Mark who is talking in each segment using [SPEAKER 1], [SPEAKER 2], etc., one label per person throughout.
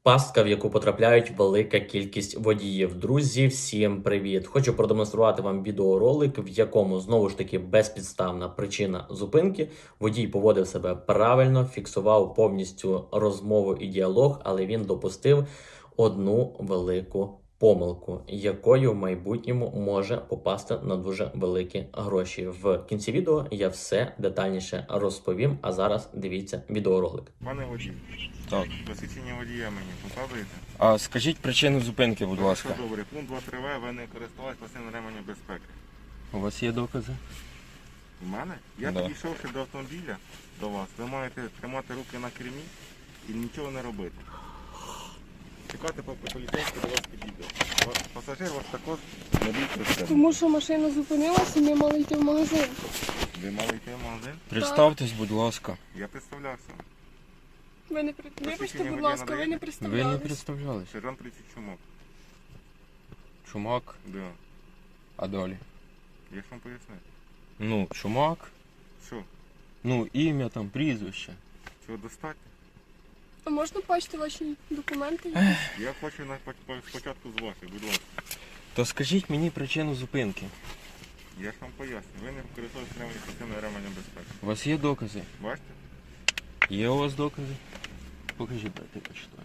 [SPEAKER 1] Пастка, в яку потрапляють велика кількість водіїв. Друзі, всім привіт! Хочу продемонструвати вам відеоролик, в якому знову ж таки безпідставна причина зупинки. Водій поводив себе правильно, фіксував повністю розмову і діалог, але він допустив одну велику помилку, якою в майбутньому може попасти на дуже великі гроші. В кінці відео я все детальніше розповім, а зараз дивіться відеоролик.
[SPEAKER 2] Пане водій,
[SPEAKER 3] Так.
[SPEAKER 2] посвідчення водія мені показуєте?
[SPEAKER 3] А скажіть причину зупинки, будь ласка.
[SPEAKER 2] Що добре, пункт 2.3В, ви не користувалися пасивним ременем безпеки.
[SPEAKER 3] У вас є докази?
[SPEAKER 2] У мене? Я
[SPEAKER 3] Да.
[SPEAKER 2] підійшовши до автомобіля, до вас, ви маєте тримати руки на кермі і нічого не робити. Чекати, поки поліцейський до вас підійде. Пасажир вас також не бійте.
[SPEAKER 4] Тому що машина зупинилася і ми мали йти в магазин.
[SPEAKER 2] Ви мали йти в магазин?
[SPEAKER 3] Представтесь, будь ласка.
[SPEAKER 2] Я представлявся.
[SPEAKER 4] Ви не Вибачте, будь ласка, ви не
[SPEAKER 3] Ви не
[SPEAKER 4] представлялись.
[SPEAKER 3] представлялись.
[SPEAKER 2] Сержант 30 чумок.
[SPEAKER 3] Чумак,
[SPEAKER 2] Да.
[SPEAKER 3] а далі?
[SPEAKER 2] Я ж вам пояснив.
[SPEAKER 3] Ну, чумак,
[SPEAKER 2] Що?
[SPEAKER 3] ну, ім'я там, прізвище.
[SPEAKER 2] Цього достатньо?
[SPEAKER 4] А можна бачити ваші документи?
[SPEAKER 2] Я хочу спочатку з ваших, будь ласка.
[SPEAKER 3] То скажіть мені причину зупинки.
[SPEAKER 2] Я ж вам поясню. Ви не користуєтесь пасивним ременем безпеки.
[SPEAKER 3] У вас є докази?
[SPEAKER 2] Бачите?
[SPEAKER 3] Є у вас докази? Покажіть, дайте почитаю.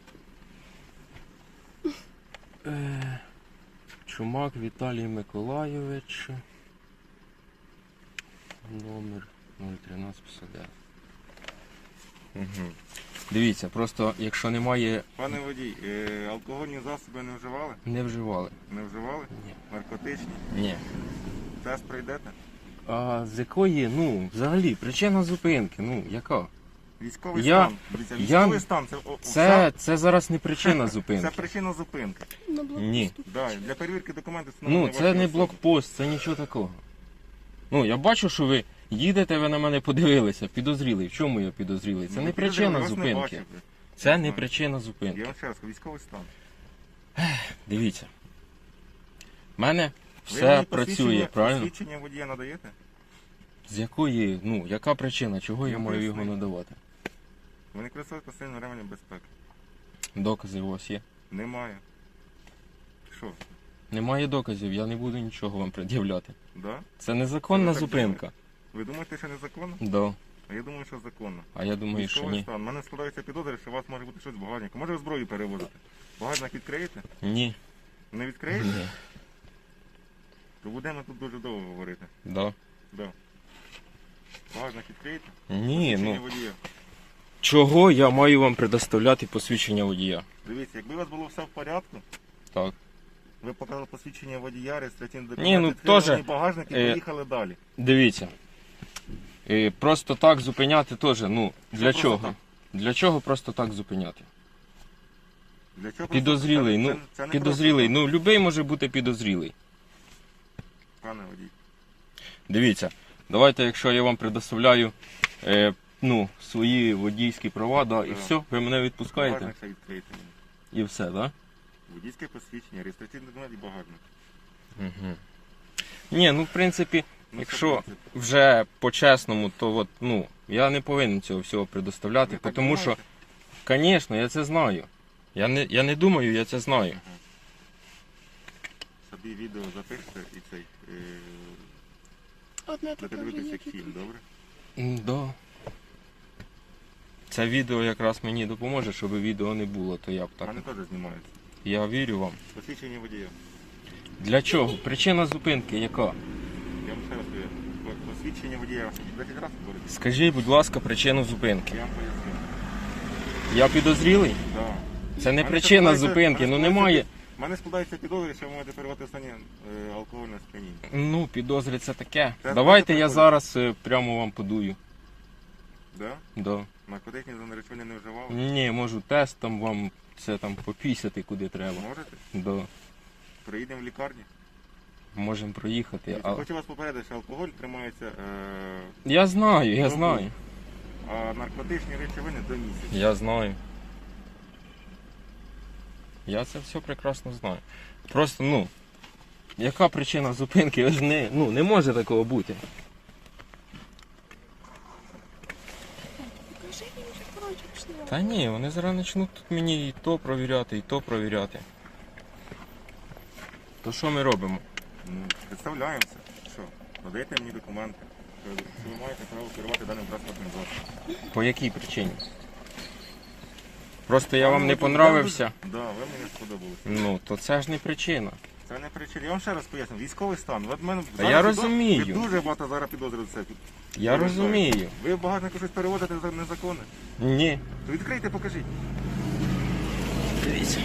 [SPEAKER 3] Чумак Віталій Миколайович. Номер 01359. Угу. Дивіться, просто якщо немає...
[SPEAKER 2] Пане водій, алкогольні засоби не вживали?
[SPEAKER 3] Не вживали.
[SPEAKER 2] Не вживали?
[SPEAKER 3] Ні.
[SPEAKER 2] Наркотичні?
[SPEAKER 3] Ні.
[SPEAKER 2] Тест пройдете?
[SPEAKER 3] А з якої, ну, взагалі, причина зупинки, ну, яка?
[SPEAKER 2] Військовий
[SPEAKER 3] Я-
[SPEAKER 2] стан. Дивіться, військовий стан
[SPEAKER 3] Це зараз не причина
[SPEAKER 2] це
[SPEAKER 3] зупинки.
[SPEAKER 2] причина зупинки.
[SPEAKER 4] На блокпосту.
[SPEAKER 3] Ні.
[SPEAKER 2] Да, для перевірки документів
[SPEAKER 3] Ну,
[SPEAKER 2] встановлені
[SPEAKER 3] це
[SPEAKER 2] ваші
[SPEAKER 3] не
[SPEAKER 2] особи.
[SPEAKER 3] блокпост, це нічого такого. Ну, я бачу, що ви їдете, ви на мене подивилися, підозрілий. В чому я підозрілий? Це
[SPEAKER 2] Ну,
[SPEAKER 3] не
[SPEAKER 2] підозрілий,
[SPEAKER 3] причина
[SPEAKER 2] вас не
[SPEAKER 3] зупинки.
[SPEAKER 2] бачив.
[SPEAKER 3] Це не
[SPEAKER 2] знаю.
[SPEAKER 3] причина
[SPEAKER 2] Я
[SPEAKER 3] зупинки.
[SPEAKER 2] вам ще раз кажу, військовий стан.
[SPEAKER 3] Дивіться. В мене
[SPEAKER 2] Ви
[SPEAKER 3] все
[SPEAKER 2] мені
[SPEAKER 3] працює, правильно?
[SPEAKER 2] Посвідчення водія надаєте?
[SPEAKER 3] З якої, ну, яка причина, чого я
[SPEAKER 2] Я
[SPEAKER 3] маю його
[SPEAKER 2] поясню.
[SPEAKER 3] надавати?
[SPEAKER 2] Ви не користуєтесь пасивним ременем безпеки?
[SPEAKER 3] Докази у вас є?
[SPEAKER 2] Немає. Що?
[SPEAKER 3] Немає доказів, я не буду нічого вам пред'являти.
[SPEAKER 2] Да?
[SPEAKER 3] Це незаконна
[SPEAKER 2] Ви так
[SPEAKER 3] зупинка.
[SPEAKER 2] Ви думаєте, що незаконно?
[SPEAKER 3] Да.
[SPEAKER 2] А я думаю, що законно.
[SPEAKER 3] А я думаю, що
[SPEAKER 2] Військовий
[SPEAKER 3] ні.
[SPEAKER 2] стан. У мене складається підозри, що у вас може бути щось в багажнику. Може ви зброю перевозити? Багажник відкриєте?
[SPEAKER 3] Ні.
[SPEAKER 2] Не відкриєте?
[SPEAKER 3] Ні.
[SPEAKER 2] То будемо тут дуже довго говорити.
[SPEAKER 3] Да.
[SPEAKER 2] Да. Багажник відкриєте?
[SPEAKER 3] Ні,
[SPEAKER 2] Посвідчення
[SPEAKER 3] ну.
[SPEAKER 2] водія.
[SPEAKER 3] Чого я маю вам предоставляти посвідчення водія?
[SPEAKER 2] Дивіться, якби у вас було все в порядку,
[SPEAKER 3] Так.
[SPEAKER 2] ви показали посвідчення водія, реєстраційний документ,
[SPEAKER 3] Ні, ну,
[SPEAKER 2] відкрили
[SPEAKER 3] теж,
[SPEAKER 2] мені багажник і
[SPEAKER 3] е,
[SPEAKER 2] поїхали далі.
[SPEAKER 3] Дивіться. Просто так зупиняти теж, ну, для
[SPEAKER 2] просто
[SPEAKER 3] чого?
[SPEAKER 2] так?
[SPEAKER 3] Для чого просто так зупиняти?
[SPEAKER 2] Для чого
[SPEAKER 3] Підозрілий,
[SPEAKER 2] просто-
[SPEAKER 3] ну,
[SPEAKER 2] це не
[SPEAKER 3] підозрілий,
[SPEAKER 2] просто
[SPEAKER 3] ну, любий може бути підозрілий.
[SPEAKER 2] так, пане водій.
[SPEAKER 3] Дивіться, давайте, якщо я вам предоставляю, ну, свої водійські права, да, і
[SPEAKER 2] Так.
[SPEAKER 3] все, ви мене відпускаєте,
[SPEAKER 2] Багажник ще відкрийте мені.
[SPEAKER 3] і все, так? Да?
[SPEAKER 2] Водійське посвідчення, реєстраційний документ і багажник.
[SPEAKER 3] Угу. Ні, ну, в принципі,
[SPEAKER 2] Ну,
[SPEAKER 3] якщо
[SPEAKER 2] що, в принципі?
[SPEAKER 3] вже по-чесному, то от, ну, я не повинен цього всього предоставляти,
[SPEAKER 2] Ви так
[SPEAKER 3] тому що,
[SPEAKER 2] думаєте?
[SPEAKER 3] звісно, я це знаю. Я не думаю, я це знаю.
[SPEAKER 2] Собі відео запишете і цей,
[SPEAKER 4] Одне таке
[SPEAKER 2] будете
[SPEAKER 4] вже
[SPEAKER 2] дивитися
[SPEAKER 4] є.
[SPEAKER 2] як фільм, добре?
[SPEAKER 3] Да. Це відео якраз мені допоможе, щоб відео не було, то я б
[SPEAKER 2] У
[SPEAKER 3] так.
[SPEAKER 2] мене теж знімається.
[SPEAKER 3] Я вірю вам.
[SPEAKER 2] Посвідчення водія.
[SPEAKER 3] Для чого? Причина зупинки яка?
[SPEAKER 2] Я вам ще раз кажу. Посвідчення водія. Я вам 10 разів говорю.
[SPEAKER 3] Скажіть, будь ласка, причину зупинки.
[SPEAKER 2] Я вам поясню.
[SPEAKER 3] Я підозрілий?
[SPEAKER 2] Да.
[SPEAKER 3] Це не
[SPEAKER 2] Мене
[SPEAKER 3] причина
[SPEAKER 2] складається-
[SPEAKER 3] зупинки, ну
[SPEAKER 2] мене
[SPEAKER 3] немає.
[SPEAKER 2] У мене складається підозри, що ви можете переводити в стані алкогольне сп'яніння.
[SPEAKER 3] Ну, підозри це таке.
[SPEAKER 2] Це
[SPEAKER 3] Давайте я
[SPEAKER 2] приходить.
[SPEAKER 3] зараз прямо вам подую.
[SPEAKER 2] Да?
[SPEAKER 3] Да.
[SPEAKER 2] Наркотичні занаречення не вживали?
[SPEAKER 3] Ні, можу тест там вам це там попісяти куди треба.
[SPEAKER 2] Можете?
[SPEAKER 3] Да.
[SPEAKER 2] Приїдемо в лікарню.
[SPEAKER 3] Можемо проїхати. А...
[SPEAKER 2] Хочу вас попередити, що алкоголь тримається,
[SPEAKER 3] Я знаю, я
[SPEAKER 2] Добре.
[SPEAKER 3] знаю.
[SPEAKER 2] а наркотичні речовини до місяця.
[SPEAKER 3] Я знаю. Я це все прекрасно знаю. Просто, ну, яка причина зупинки? Ви ж не, ну, не може такого бути.
[SPEAKER 4] Покажи мені вже, коротше, пішли.
[SPEAKER 3] Та ні, вони зараз почнуть тут мені і то провіряти, і то провіряти. То що ми робимо?
[SPEAKER 2] Ну, представляємося. Що? Надаєте мені документи. Що ви маєте право керувати даним транспортним засобом.
[SPEAKER 3] По якій причині? Просто я вам не понравився.
[SPEAKER 2] Так, да, ви мені сподобалися.
[SPEAKER 3] Ну, то це ж не причина.
[SPEAKER 2] Це не причина. Я вам ще раз поясню. Військовий стан. От мене
[SPEAKER 3] Та я розумію.
[SPEAKER 2] Ви дуже багато зараз підозрюєте це.
[SPEAKER 3] Я розумію.
[SPEAKER 2] Ви багато щось переводите незаконне.
[SPEAKER 3] Ні.
[SPEAKER 2] То відкрийте, покажіть.
[SPEAKER 3] Дивіться.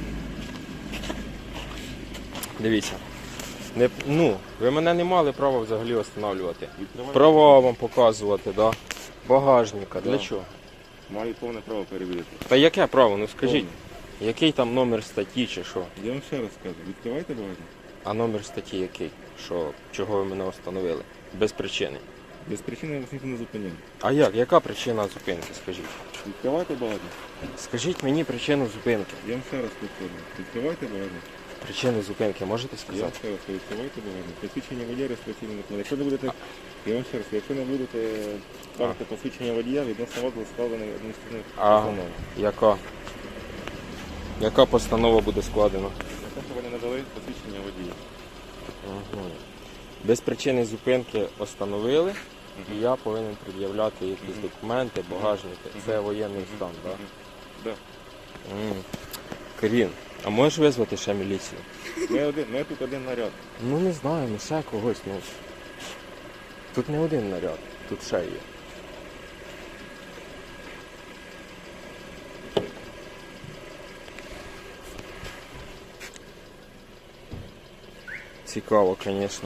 [SPEAKER 3] Дивіться. Не, ну, ви мене не мали права взагалі встановлювати.
[SPEAKER 2] Відкривайте.
[SPEAKER 3] Права вам показувати, да? Багажника. Для
[SPEAKER 2] Да.
[SPEAKER 3] чого?
[SPEAKER 2] Маю повне право перевірити.
[SPEAKER 3] Та яке право? Ну скажіть, який там номер статті чи що?
[SPEAKER 2] Я вам ще раз кажу. Відкривайте багажник.
[SPEAKER 3] А номер статті який? Що, чого ви мене встановили? Без причини.
[SPEAKER 2] Без причини я вас ніхто не зупиняв.
[SPEAKER 3] А як? Яка причина зупинки, скажіть?
[SPEAKER 2] Відкривайте багажник.
[SPEAKER 3] Скажіть мені причину зупинки.
[SPEAKER 2] Я вам ще раз повторюю. Відкривайте багажник.
[SPEAKER 3] Причину зупинки можете
[SPEAKER 2] Я вам
[SPEAKER 3] сказати?
[SPEAKER 2] ще раз кажу, відкривайте багажник. Посвідчення водія, реєстраційний документ. Якщо не будете, я вам ще раз кажу, якщо не будете ставити посвідчення водія, відносно вас буде складений адміністративний
[SPEAKER 3] А.
[SPEAKER 2] постанова.
[SPEAKER 3] Яка? Яка постанова буде складена?
[SPEAKER 2] На те, що ви не надали посвідчення водія.
[SPEAKER 3] Угу. Без причини зупинки встановили, і я повинен пред'являти якісь документи, багажники. Це воєнний стан, так?
[SPEAKER 2] Да.
[SPEAKER 3] Карін, а можеш визвати ще міліцію?
[SPEAKER 2] Ми тут один наряд.
[SPEAKER 3] Ну не знаю, ну ще когось. Ну. Тут не один наряд, тут ще є. Цікаво, звісно.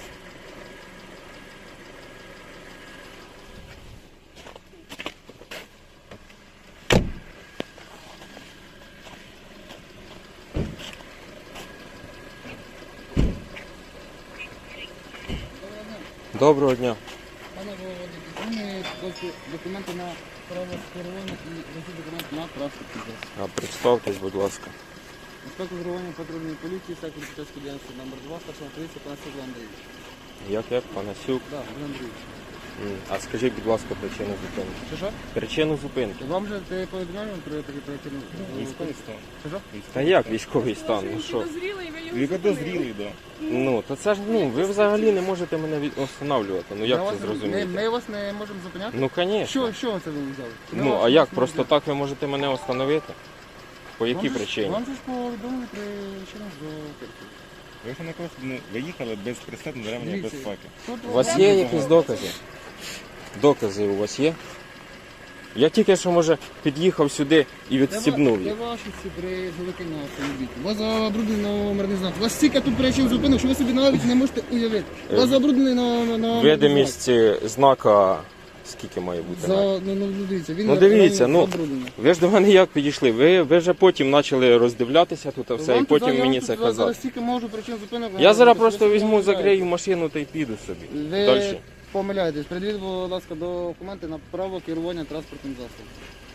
[SPEAKER 3] Доброго дня.
[SPEAKER 5] Пане Володимир, документи на право керування і усі документи на транспортний засіб.
[SPEAKER 3] А представтесь, будь ласка.
[SPEAKER 5] Інспектор керування патрульної поліції, сектор поліцейської діяльності номер 2, старшого поліції, пане Сергій Андрійович.
[SPEAKER 3] Як Панасюк?
[SPEAKER 5] Так, Андрій Андрійович.
[SPEAKER 3] А скажіть, будь ласка, причину зупинки.
[SPEAKER 5] Що?
[SPEAKER 3] Причину зупинки.
[SPEAKER 5] Вам же ти повідомляв про причину?
[SPEAKER 2] Військовий стан.
[SPEAKER 5] Що?
[SPEAKER 3] Та як військовий стан? Ну що?
[SPEAKER 4] Підозрілий, ви його
[SPEAKER 2] Ви
[SPEAKER 4] зупинили.
[SPEAKER 2] підозрілий, так.
[SPEAKER 3] Ну, то це ж, ну, ви взагалі не можете мене встановлювати. Ну як
[SPEAKER 5] Ми
[SPEAKER 3] це
[SPEAKER 5] вас-
[SPEAKER 3] зрозуміти?
[SPEAKER 5] Ми вас не можемо зупиняти?
[SPEAKER 3] Ну, звісно.
[SPEAKER 5] Що це ви взяли? Ми
[SPEAKER 3] Ну,
[SPEAKER 5] вас-
[SPEAKER 3] а як?
[SPEAKER 5] вас не
[SPEAKER 3] Просто
[SPEAKER 5] взяли.
[SPEAKER 3] так ви можете мене встановити? По якій
[SPEAKER 5] Вам же ж-
[SPEAKER 3] причині?
[SPEAKER 5] Вам же ж повідомили причину зупинки.
[SPEAKER 2] Ви ж не просто виїхали без пристебного ремня
[SPEAKER 5] Дивіться.
[SPEAKER 2] безпеки.
[SPEAKER 5] Тут
[SPEAKER 3] У вас є якісь докази? Докази у вас є? Я тільки що, може, під'їхав сюди і відстібнув
[SPEAKER 5] Де
[SPEAKER 3] їх.
[SPEAKER 5] ваші ці призовики на автомобілі? У вас забруднений номерний знак. У вас стільки тут причин зупинок, що ви собі навіть не можете уявити. У вас забруднений на
[SPEAKER 3] Видимість знака скільки має бути?
[SPEAKER 5] Дивіться, він
[SPEAKER 3] Ну, дивіться, ну,
[SPEAKER 5] забруднений.
[SPEAKER 3] Ви ж до мене як підійшли? Ви вже потім почали роздивлятися тут все,
[SPEAKER 5] Вам
[SPEAKER 3] і потім
[SPEAKER 5] я
[SPEAKER 3] мені
[SPEAKER 5] вам
[SPEAKER 3] це
[SPEAKER 5] тут зараз
[SPEAKER 3] казати.
[SPEAKER 5] стільки можу причин зупинок.
[SPEAKER 3] Я зараз
[SPEAKER 5] ви
[SPEAKER 3] просто
[SPEAKER 5] собі
[SPEAKER 3] візьму,
[SPEAKER 5] не
[SPEAKER 3] закрию
[SPEAKER 5] уявляєте.
[SPEAKER 3] машину та й піду собі.
[SPEAKER 5] Ви
[SPEAKER 3] Далі.
[SPEAKER 5] помиляєтесь. Придивіть, будь ласка, документи на право керування транспортним засобом.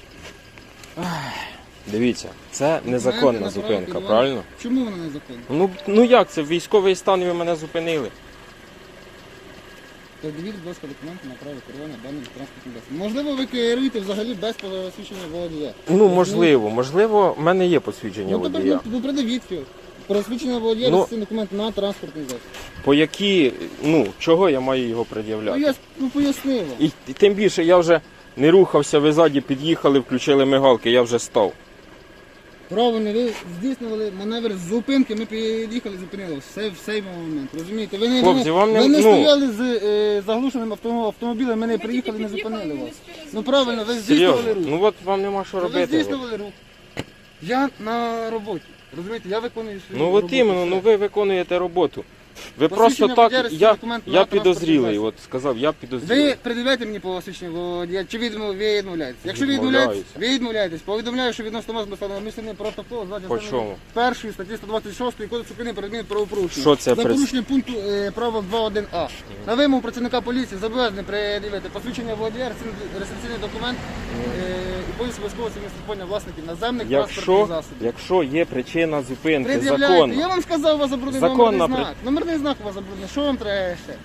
[SPEAKER 3] Дивіться, це
[SPEAKER 5] Документи
[SPEAKER 3] незаконна
[SPEAKER 5] на право
[SPEAKER 3] зупинка,
[SPEAKER 5] керування.
[SPEAKER 3] правильно?
[SPEAKER 5] Чому вона незаконна?
[SPEAKER 3] Ну як це? В військовий стан ви мене зупинили.
[SPEAKER 5] Придивіть, будь ласка, документи на право керування даним транспортним засобом. Можливо, ви керуєте взагалі без посвідчення водія.
[SPEAKER 3] Ну, можливо, в мене є посвідчення
[SPEAKER 5] Ну, тепер
[SPEAKER 3] водія.
[SPEAKER 5] ну, придивіть його. Посвідчення водія,
[SPEAKER 3] Ну,
[SPEAKER 5] реєстраційний документ на транспортний засіб.
[SPEAKER 3] По які, чого я маю його
[SPEAKER 5] Ну,
[SPEAKER 3] пред'являти?
[SPEAKER 5] я пояснив вам.
[SPEAKER 3] І тим більше я вже не рухався, ви ззаді під'їхали, включили мигалки, я вже став.
[SPEAKER 5] Правильно, ви здійснювали маневр з зупинки, ми під'їхали, зупинили в цей момент. Розумієте? Ви не,
[SPEAKER 3] Хлопці, вам не-
[SPEAKER 5] ви не
[SPEAKER 3] ну-
[SPEAKER 5] стояли з заглушеним автомобілем, ми не приїхали, не зупинили вас. Ну правильно, ви здійснювали
[SPEAKER 3] Серйозно?
[SPEAKER 5] рух.
[SPEAKER 3] Ну от вам нема що
[SPEAKER 5] Ви
[SPEAKER 3] робити.
[SPEAKER 5] здійснювали рух. Я на роботі. Розумієте, я виконую свою
[SPEAKER 3] Ну
[SPEAKER 5] роботу.
[SPEAKER 3] от іменно,
[SPEAKER 5] все.
[SPEAKER 3] ви виконуєте роботу. Ви
[SPEAKER 5] Посвідчення
[SPEAKER 3] просто
[SPEAKER 5] водія,
[SPEAKER 3] так,
[SPEAKER 5] реєстраційний документ на
[SPEAKER 3] я
[SPEAKER 5] транспортний
[SPEAKER 3] підозрілий,
[SPEAKER 5] засіб.
[SPEAKER 3] от сказав, я підозрілий.
[SPEAKER 5] Ви придивляєте мені посвідчення водія, чи ви відмовляєтесь? Якщо ви
[SPEAKER 3] Відмовляюся.
[SPEAKER 5] відмовляєтесь, повідомляю, що відносно вас доставлено адміністративний протокол за
[SPEAKER 3] По чому?
[SPEAKER 5] першої статті 126 Кодексу України про адмінправопорушення.
[SPEAKER 3] Що це
[SPEAKER 5] За
[SPEAKER 3] при-
[SPEAKER 5] порушення пункту правил 2.1а. На вимогу працівника поліції зобов'язаний пред'явити посвідчення водія, реєстраційний документ і поліс обов'язкового адміністрування власників наземних транспортних
[SPEAKER 3] Якщо є причина зупинки,
[SPEAKER 5] Пред'являйте. Я
[SPEAKER 3] законна.
[SPEAKER 5] вам сказав, у вас забруднений
[SPEAKER 3] Законна
[SPEAKER 5] номерний знак. Номерний знак у вас забруднений. Що вам треба ще?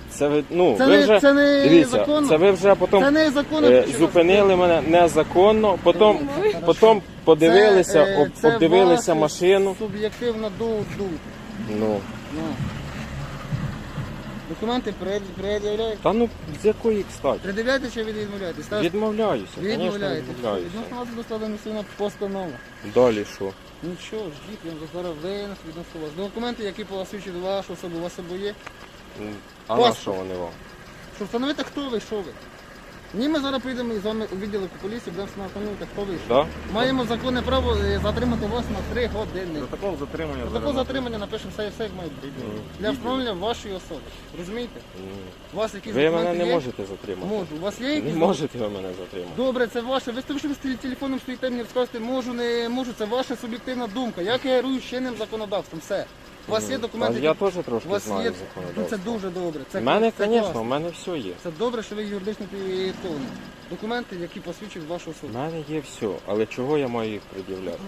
[SPEAKER 3] Це ви, ну,
[SPEAKER 5] Це
[SPEAKER 3] ви
[SPEAKER 5] не-
[SPEAKER 3] вже,
[SPEAKER 5] це не
[SPEAKER 3] дивіться,
[SPEAKER 5] законно.
[SPEAKER 3] це ви вже потім
[SPEAKER 5] Це не законно.
[SPEAKER 3] зупинили мене незаконно, потім подивилися, обдивилися машину.
[SPEAKER 5] Суб'єктивна думка.
[SPEAKER 3] Ну,
[SPEAKER 5] Ну. Документи пред'являєте?
[SPEAKER 3] та ну, з якої кстати?
[SPEAKER 5] Пред'являєте чи відмовляєтесь?
[SPEAKER 3] Відмовляюся, звісно,
[SPEAKER 5] Відмовляєте.
[SPEAKER 3] відмовляюся.
[SPEAKER 5] Відносно вас буде складена сильна постанова.
[SPEAKER 3] Далі що?
[SPEAKER 5] Нічого, ждіть, я вам зараз винес відносно вас. Документи, які посвідчують вашу особу, у вас з собою є.
[SPEAKER 3] А на
[SPEAKER 5] Паспорт.
[SPEAKER 3] що вони вам?
[SPEAKER 5] Щоб встановити, хто ви, що ви. Ні, ми зараз прийдемо з вами у відділок поліції, будемо встановити, хто ви, що.
[SPEAKER 3] Да?
[SPEAKER 5] Маємо законне право затримати вас на 3 години.
[SPEAKER 2] Протокол затримання.
[SPEAKER 5] Протокол затримання напишемо все, як має бути. Для встановлення вашої особи. Розумієте? У вас якісь
[SPEAKER 3] Ви
[SPEAKER 5] документи
[SPEAKER 3] мене не
[SPEAKER 5] є?
[SPEAKER 3] можете затримати.
[SPEAKER 5] Можу. У вас є
[SPEAKER 3] Не
[SPEAKER 5] якісь?
[SPEAKER 3] можете ви мене затримати.
[SPEAKER 5] Добре, це ваше. Ви з телефоном стоїте, мені розказуєте, можу, не можу. Це ваша суб'єктивна думка. Я керую чинним законодавством. Все. У вас є
[SPEAKER 3] А
[SPEAKER 5] документи.
[SPEAKER 3] я
[SPEAKER 5] які-
[SPEAKER 3] теж
[SPEAKER 5] У
[SPEAKER 3] трошки
[SPEAKER 5] вас
[SPEAKER 3] знаю
[SPEAKER 5] є. Ну,
[SPEAKER 3] законодавство.
[SPEAKER 5] це дуже добре. Це
[SPEAKER 3] У мене,
[SPEAKER 5] це
[SPEAKER 3] звісно,
[SPEAKER 5] класно.
[SPEAKER 3] у мене все є.
[SPEAKER 5] Це добре, що ви юридично підготовлені. Документи, які посвідчують вашу
[SPEAKER 3] У
[SPEAKER 5] особу.
[SPEAKER 3] мене є все, але чого я маю їх пред'являти?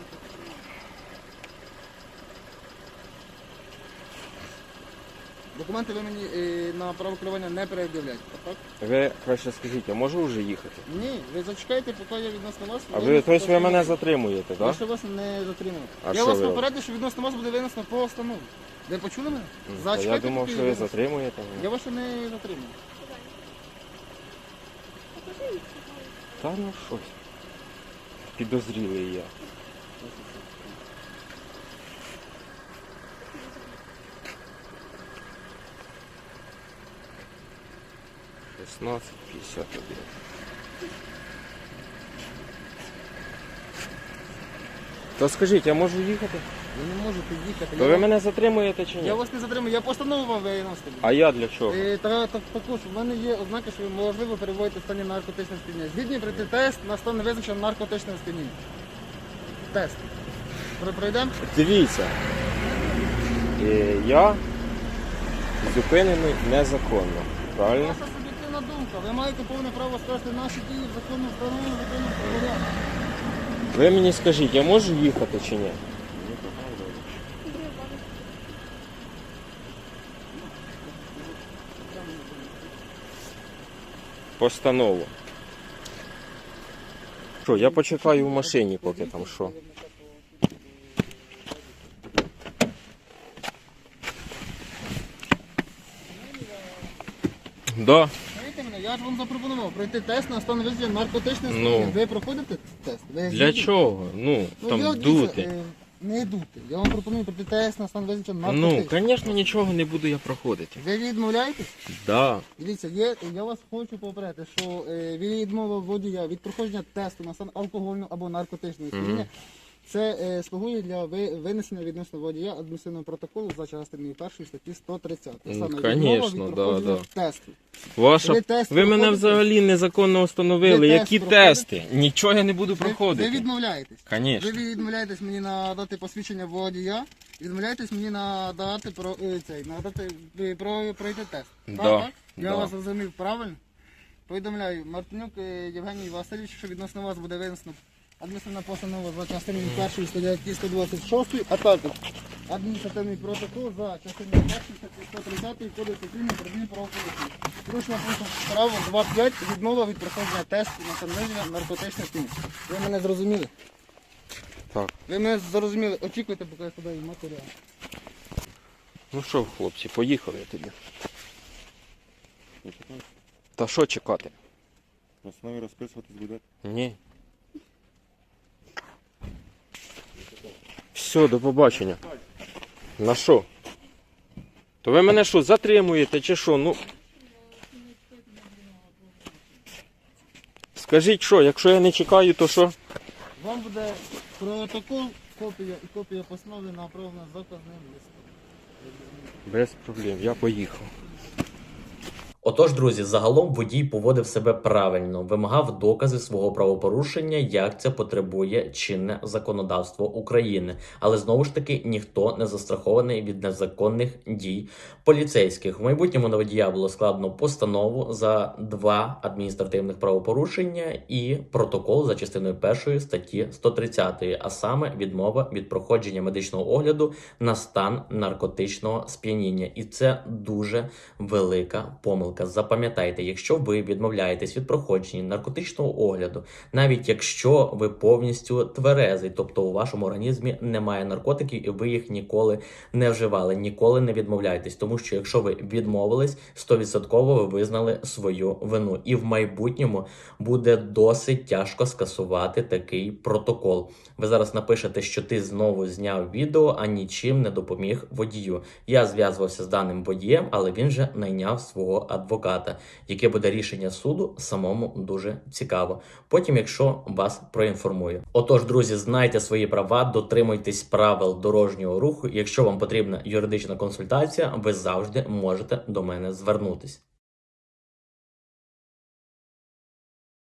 [SPEAKER 5] Документи ви мені на право керування не перед'являєте, так?
[SPEAKER 3] Ви краще скажіть, я можу вже їхати?
[SPEAKER 5] Ні, ви зачекайте, поки я відносно вас.
[SPEAKER 3] А ви, тобто ви мене затримуєте,
[SPEAKER 5] Я
[SPEAKER 3] так?
[SPEAKER 5] ще вас не затримав.
[SPEAKER 3] А
[SPEAKER 5] Я
[SPEAKER 3] що
[SPEAKER 5] вас
[SPEAKER 3] ви
[SPEAKER 5] попередив, що відносно вас буде винесено постанову. Ви почули мене?
[SPEAKER 3] Я
[SPEAKER 5] Зачекайте,
[SPEAKER 3] думав,
[SPEAKER 5] поки
[SPEAKER 3] що
[SPEAKER 5] я
[SPEAKER 3] ви
[SPEAKER 5] винесу.
[SPEAKER 3] затримуєте мене.
[SPEAKER 5] Я вас ще не затримав.
[SPEAKER 3] Та ну щось. Підозрілий я. «16:51». То скажіть, я можу їхати?
[SPEAKER 5] Ви не можете їхати.
[SPEAKER 3] То ви мене затримуєте чи ні?
[SPEAKER 5] Я вас не затримую, я постанову вам виносив.
[SPEAKER 3] А я для чого?
[SPEAKER 5] Також в мене є ознаки, що ви можливо перебуваєте в стані наркотичного сп'яніння. Згідні пройти тест на стан невизначеного наркотичного сп'яніння. Тест. Пройдемо?
[SPEAKER 3] Дивіться, я зупинений незаконно, правильно?
[SPEAKER 5] Ваша суб'єктивна думка. Ви маєте повне право сказати наші дії в законно встановленому законом порядку.
[SPEAKER 3] Ви мені скажіть, я можу їхати чи ні? Постанову. Що, я почекаю в машині, поки там що. Да.
[SPEAKER 5] Знаєте мене, я ж вам запропонував пройти тест на стан невизначеного наркотичного
[SPEAKER 3] Ну.
[SPEAKER 5] сп'яніння. Ви проходите тест? Ви
[SPEAKER 3] Для
[SPEAKER 5] згідні?
[SPEAKER 3] чого? Ну,
[SPEAKER 5] Ну,
[SPEAKER 3] там
[SPEAKER 5] я,
[SPEAKER 3] дути.
[SPEAKER 5] дивіться, не дути. Я вам пропоную пройти тест на стан визначеного
[SPEAKER 3] Ну,
[SPEAKER 5] наркотичного.
[SPEAKER 3] звісно, нічого не буду я проходити.
[SPEAKER 5] Ви відмовляєтесь?
[SPEAKER 3] Да.
[SPEAKER 5] Дивіться, я вас хочу попередити, що відмова водія від проходження тесту на стан алкогольного або наркотичного сп'яніння, це слугує для винесення відносно водія адміністративного протоколу за частиною 1 статті 130.
[SPEAKER 3] Ну,
[SPEAKER 5] Саме
[SPEAKER 3] конечно,
[SPEAKER 5] відмова від
[SPEAKER 3] да,
[SPEAKER 5] проходження
[SPEAKER 3] да.
[SPEAKER 5] тесту.
[SPEAKER 3] Ваша...
[SPEAKER 5] Ви тест
[SPEAKER 3] Ви мене
[SPEAKER 5] проходите?
[SPEAKER 3] взагалі незаконно встановили.
[SPEAKER 5] Ви
[SPEAKER 3] Які
[SPEAKER 5] тест
[SPEAKER 3] тести? Нічого я не буду
[SPEAKER 5] Ви
[SPEAKER 3] проходити.
[SPEAKER 5] відмовляєтесь.
[SPEAKER 3] Конечно.
[SPEAKER 5] Ви відмовляєтесь мені надати посвідчення водія, відмовляєтесь мені надати пройти тест.
[SPEAKER 3] Да,
[SPEAKER 5] Так? Я
[SPEAKER 3] да.
[SPEAKER 5] вас зрозумів правильно. Повідомляю, Мартинюк Євгеній Васильович, що відносно вас буде винесено адміністративна постанова за частиною 1 статті 126, а також адміністративний протокол за частиною 1 статті 130 Кодексу України про адмінправопорушення. Порушення пункту право 2.5 відмова від проходження тесту на встановлення наркотичних сп'яніння. Ви мене зрозуміли?
[SPEAKER 3] Так.
[SPEAKER 5] Ви мене зрозуміли. Очікуйте, поки я подаю матеріал.
[SPEAKER 3] Ну що, хлопці, поїхали тоді. Та що чекати?
[SPEAKER 2] На основі розписуватись буде.
[SPEAKER 3] Ні. Все, до побачення. На що? То ви мене що, затримуєте чи що? Ну. Скажіть що, якщо я не чекаю, то що?
[SPEAKER 5] Вам буде протокол, копія і копія постанови направлена з заказним листом.
[SPEAKER 3] Без проблем, я поїхав.
[SPEAKER 1] Отож, друзі, загалом водій поводив себе правильно, вимагав докази свого правопорушення, як це потребує чинне законодавство України. Але знову ж таки ніхто не застрахований від незаконних дій поліцейських. В майбутньому на водія було складено постанову за 2 адміністративних правопорушення і протокол за частиною 1 статті 130, а саме відмова від проходження медичного огляду на стан наркотичного сп'яніння. І це дуже велика помилка. Запам'ятайте, якщо ви відмовляєтесь від проходження наркотичного огляду, навіть якщо ви повністю тверезий, тобто у вашому організмі немає наркотиків і ви їх ніколи не вживали, ніколи не відмовляйтесь, тому що якщо ви відмовились, 100% ви визнали свою вину. І в майбутньому буде досить тяжко скасувати такий протокол. Ви зараз напишете, що ти знову зняв відео, а нічим не допоміг водію. Я зв'язувався з даним водієм, але він же найняв свого адвоката. Яке буде рішення суду, самому дуже цікаво. Потім, якщо вас проінформую. Отож, друзі, знайте свої права, дотримуйтесь правил дорожнього руху. Якщо вам потрібна юридична консультація, ви завжди можете до мене звернутись.